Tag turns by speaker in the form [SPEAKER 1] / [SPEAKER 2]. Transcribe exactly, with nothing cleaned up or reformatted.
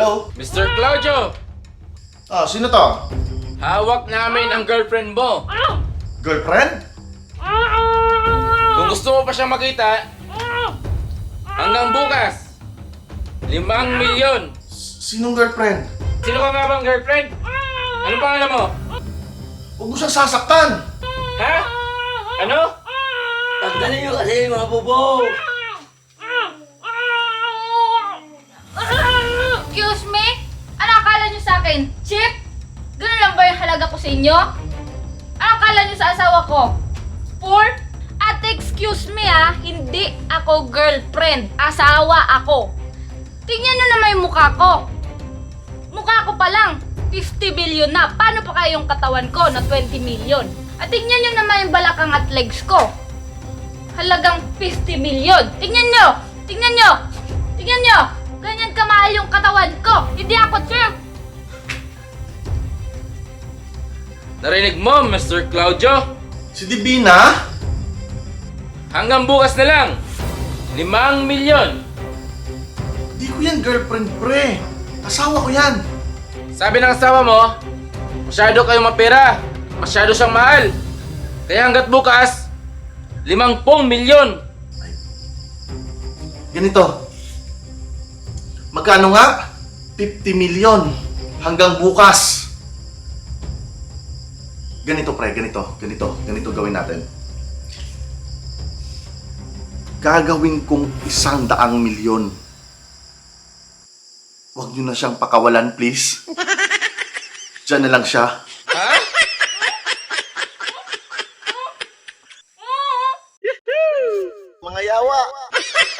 [SPEAKER 1] Hello?
[SPEAKER 2] mister Claudio,
[SPEAKER 1] Ah, sino to?
[SPEAKER 2] hawak namin ang girlfriend mo.
[SPEAKER 1] Girlfriend?
[SPEAKER 2] Kung gusto mo pa siya makita, hanggang bukas, limang milyon.
[SPEAKER 1] S- Sinong girlfriend?
[SPEAKER 2] Sino ka nga bang girlfriend? Ano pangalan mo?
[SPEAKER 1] Huwag mo siyang sasaktan!
[SPEAKER 2] Ha? Ano?
[SPEAKER 3] Tanggalin nyo kasi mga bobo!
[SPEAKER 4] Excuse me? Ano akala nyo sa akin? Cheap? Ganun lang ba yung halaga ko sa inyo? Ano akala nyo sa asawa ko? Poor? Ate, excuse me ah, hindi ako girlfriend. Asawa ako. Tingnan nyo naman yung mukha ko. Mukha ko pa lang, fifty billion na. Paano pa kaya yung katawan ko na twenty million? At tingnan nyo naman yung balakang at legs ko. Halagang fifty million. Tingnan nyo! Tingnan nyo! Tingnan nyo! Ganyan kamahal yung katawan ko. Hindi ako cheap.
[SPEAKER 2] Narinig mo, mister Claudio?
[SPEAKER 1] Si Divina?
[SPEAKER 2] Hanggang bukas na lang, limang milyon.
[SPEAKER 1] Di ko yan girlfriend, pre. Asawa ko yan.
[SPEAKER 2] Sabi ng asawa mo, masyado kayong mapera, masyado siyang mahal. Kaya hanggat bukas, limang pong milyon.
[SPEAKER 1] Ganito. Magkano nga? fifty million. Hanggang bukas. Ganito, pre. Ganito. Ganito. Ganito gawin natin. Gagawin kong isang daang milyon. Huwag nyo na siyang pakawalan, please. Diyan na lang siya.
[SPEAKER 2] Ha?
[SPEAKER 1] Mga yawa!